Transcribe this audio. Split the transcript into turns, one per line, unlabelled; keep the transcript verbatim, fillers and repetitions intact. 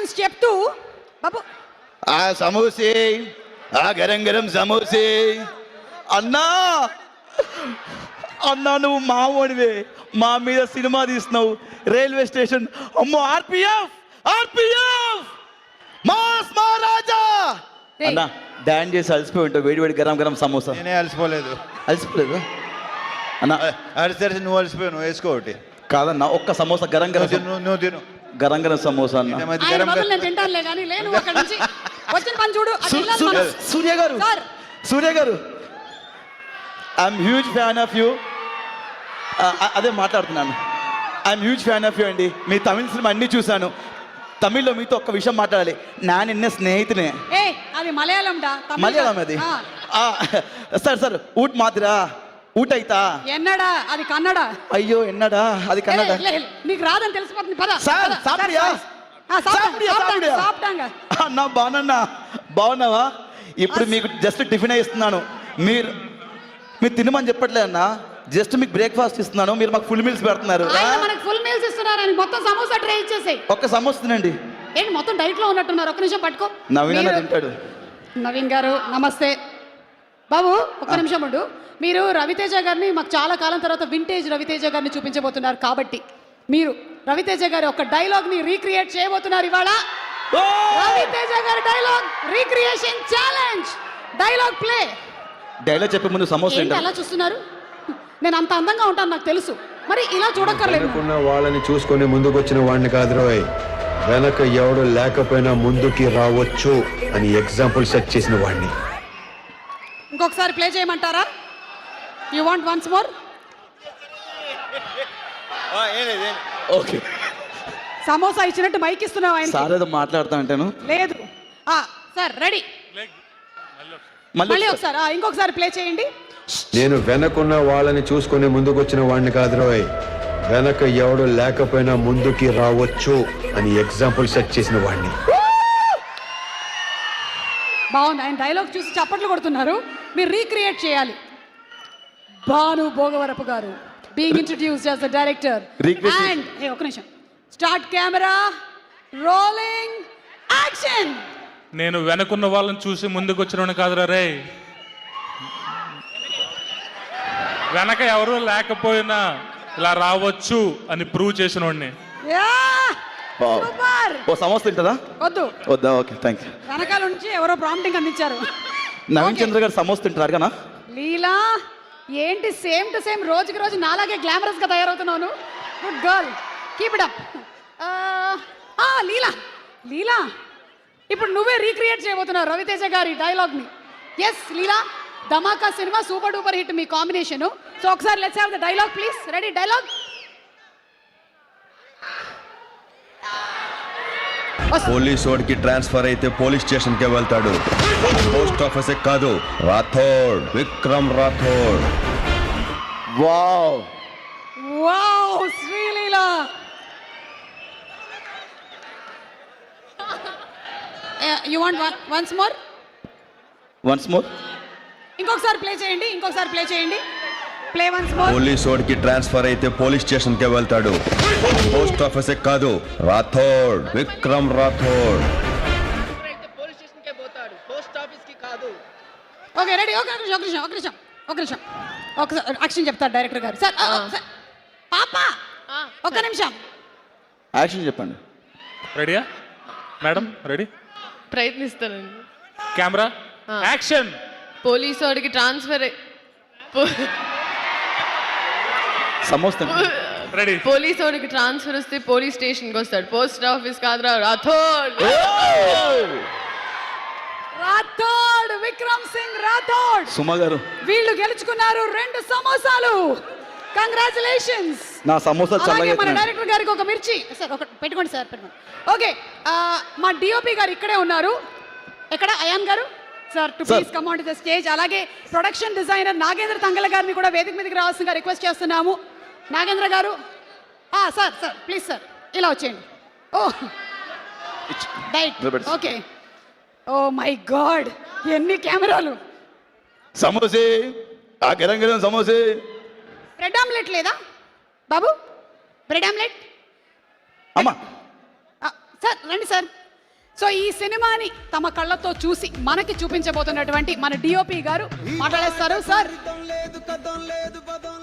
Congratulations చెప్తూ బాబు
ఆ సమోసే, ఆ గరం గరం సమోసే. అన్నా అన్నా నువ్వు మావోడివే, మా మీద సినిమా తీస్తున్నావు. రైల్వే స్టేషన్ అమ్మో, ఆర్పిఎఫ్ ఆర్పిఎఫ్ మాస్ మహారాజా.
రేయ్.
అన్నా డాన్స్ చేసి అలసిపోయి ఉంటావు, వేడి వేడి గరం గరం సమోసా.
నేనే అలసిపోలేదు.
అలసిపోలేదు అన్నా?
అలసితే నువ్వు అలసిపోయావు, నువ్వు వేసుకో ఒకటి.
కాదన్నా, ఒక్క సమోసా గరం గరం
నువ్వు తిను, నువ్వు- నువ్వు తిను.
గరం గరం సమోసా అన్న.
ఈ మధ్య
ఆయన
గరం
బదులు
గరం-
నేను తింటానులే కానీ లేను అక్కడి నుంచి వచ్చిన పని చూడు అటు
సు-
వెళ్ళాలి
సు-
మనం.
సూర్య గారు,
సార్.
సూర్య గారు, I'm huge fan of you. అదే మాట్లాడుతున్నాను. I'm huge fan of you అండి. మీ తమిళ సినిమా అన్నీ చూశాను. తమిళ్లో మీతో ఒక్క విషయం మాట్లాడాలి. నా నిన్న స్నేహితునే.
ఏ అది మలయాళం డా తమిళ
మలయాళం
కాదు.
అది.
ఆ,
సార్ సార్ ఊట్ మాదిరా ఊట అయితా.
ఎన్నడా అది కన్నడ.
అయ్యో ఎన్నడా అది
ఏ,
కన్నడ.
లే, లే, నీకు రాదని తెలిసిపోతుంది పద
సార్,
పద,
సాపిడియా?
సార్, ఆ, సాపిడా,
సాపిడియా,
సాపిడా,
సాపిడియా?
సాపిడాంగా.
అన్నా బాగున్నా, బాగున్నావా? ఇప్పుడు మీకు జస్ట్ టిఫిన్ ఇస్తున్నాను. మీరు మీరు తినమని చెప్పట్లేదు అన్న, జస్ట్ మీకు బ్రేక్ఫాస్ట్ ఇస్తున్నాను. మీరు మాకు ఫుల్ మీల్స్ పెడుతున్నారు.
ఆయన మనకు ఫుల్ మీల్స్ ఇస్తున్నారని మొత్తం సమోసా ట్రై ఇచ్చేసాయి.
ఒక్క సమోసా తినండి.
ఏంటి మొత్తం డైట్ లో ఉన్నట్టున్నారు. ఒక్క నిమిషం పట్టుకో.
నవీన
మీరు-
తింటాడు.
నవీన్ గారు నమస్తే. బాబు ఒక్క నిమిషం ఉండు. మీరు రవితేజ గారిని మాకు చాలా కాలం తర్వాత వింటేజ్ రవితేజ గారిని చూపించబోతున్నారు కాబట్టి మీరు రవితేజ గారి ఒక డైలాగ్ ని రీక్రియేట్ చేయబోతున్నారు ఇవాళ.
ఓ!
రవితేజ గారి dialogue recreation challenge. Dialogue play.
Dialogue చెప్పే ముందు సమోసా
ఏంటి
తింటాడు.
అలా చూస్తున్నారు? నేను అంత అందంగా ఉంటాను నాకు తెలుసు, మరి ఇలా చూడక్కర్లేదు.
వెనుకున్న వాళ్ళని చూసుకొని ముందుకొచ్చిన వాడిని కాదు రోయ్, వెనక ఎవడు లేకపోయినా ముందుకి రావచ్చు అని ఎగ్జాంపుల్ సెట్ చేసిన వాడిని.
ఇంకొకసారి ప్లే చేయమంటారా? You want once more?
ఆ, ఏం లేదు, ఏం లేదు.
ఓకే
సమోసా ఇచ్చినట్టు మైక్ ఇస్తున్నావు ఆయన.
సార్ ఏదో మాట్లాడుతా అంటాను.
లేదు ఆ, సార్ రెడీ. మళ్ళీ
మళ్ళీ
ఒకసారి ఆ, ఇంకొకసారి ప్లే చేయండి.
నేను వెనకున్న వాళ్ళని చూసుకొని ముందుకొచ్చిన వాడిని కాదు రోయ్, వెనక ఎవడు లేకపోయినా ముందుకి రావచ్చు అని ఎగ్జాంపుల్ సెట్ చేసిన వాడిని.
బాగుంది. ఆయన డైలాగ్ చూసి చప్పట్లు కొడుతున్నారు. మీరు రీక్రియేట్ చేయాలి. భాను భోగవరపు గారు being introduced as the director
Recreate.
And ఏ ఒక నిమిషం స్టార్ట్ కెమెరా రోలింగ్ యాక్షన్.
నేను వెనకున్న వాళ్ళని చూసి ముందుకు వచ్చిన కాదురా రే, వెనక ఎవరు లేకపోయినా ఇలా రావచ్చు అని ప్రూవ్ చేసిన వాడిని.
Yeah
Wow.
సూపర్.
ఓ సమోసా తింటుందా?
వద్దు,
వద్దా? Okay thank you.
వెనకాల నుంచి ఎవరో ప్రాంప్టింగ్ అందించారు.
నవీన్
Okay.
చంద్ర గారు సమోసా తింటారు కదా?
లీలా ఏంటి సేమ్ టు సేమ్ రోజుకి రోజు నాలాగే గ్లామరస్ గా తయారవుతున్నాను. Good girl, keep it up. Leela Leela ఇప్పుడు నువ్వే రీక్రియేట్ చేయబోతున్నావు రవితేజ గారి డైలాగ్ ని. Yes Leela, Dhamaka cinema super duper hit మీ కాంబినేషన్. సో ఒకసారి let's have the dialogue please. Ready dialogue.
Police వాడికి ట్రాన్స్ఫర్ అయితే పోలీస్ స్టేషన్ కే వెళ్తాడు, పోస్ట్ ఆఫీస్ కాదు. Rathod, Vikram Rathod.
Wow
wow Sreeleela. You want once more?
Once more.
ఇంకొకసారి ప్లే చేయండి, ఇంకొకసారి ప్లే చేయండి. Play once more.
పోలీస్ వాడికి ట్రాన్స్ఫర్ అయితే పోలీస్ స్టేషన్ కే వెళ్తాడు, పోస్ట్ ఆఫీస్ కాదు. Rathod, Vikram Rathod.
Okay ready. Okay ఒక నిమిషం ఒక నిమిషం ఒక నిమిషం ఒక నిమిషం ఒకసారి యాక్షన్ చెప్తారు డైరెక్టర్ గారు. సార్ ఆ, సార్. పాప ఒక నిమిషం.
యాక్షన్ చెప్పండి.
రెడీయా మేడం? రెడీ?
ప్రయత్నిస్తానండి.
Camera action.
పోలీసు వాడికి ట్రాన్స్ఫర్
సమోసా తింటాడు.
రెడీ?
పోలీసు వాడికి ట్రాన్స్ఫర్ వస్తే పోలీస్ స్టేషన్కి వస్తాడు, పోస్ట్ ఆఫీస్ కాదురా రాథోడ్.
రాథోడ్, విక్రమ్ సింగ్ రాథోడ్.
సుమ గారు,
వీళ్ళు గెలుచుకున్నారు రెండు సమోసాలు. కంగ్రాచులేషన్స్.
నా సమోసా
అలాగే
చల్లగా
మన
తినండి.
డైరెక్టర్ గారికి ఒక మిర్చి సార్ ఒక పెట్టుకోండి సార్ పెట్టుకోండి. ఓకే మా డిఓపి గారు ఇక్కడే ఉన్నారు. ఎక్కడ అయాన్ గారు? Sir to
Sir.
Please come on to the stage. అలాగే ప్రొడక్షన్ డిజైనర్ నాగేంద్ర తంగల గారిని కూడా వేదిక మీదకి రావాల్సిందిగా రిక్వెస్ట్ చేస్తున్నాము. నాగేంద్ర గారు సార్ సార్ ప్లీజ్ సార్ ఇలా వచ్చేయండి. ఓ డైట్
నిలబెట్టు.
ఓకే. ఓ మై గాడ్ ఎన్ని కెమెరాలు.
సమోసే, ఆ గరం గరం సమోసే.
బ్రెడ్ ఆమ్లెట్ లేదా బాబు? బ్రెడ్ ఆమ్లెట్
అమ్మా
సార్ రండి సార్. సో ఈ సినిమాని తమ కళ్ళతో చూసి మనకి చూపించబోతున్నటువంటి మన డిఓపి గారు మాట్లాడేస్తారు సార్.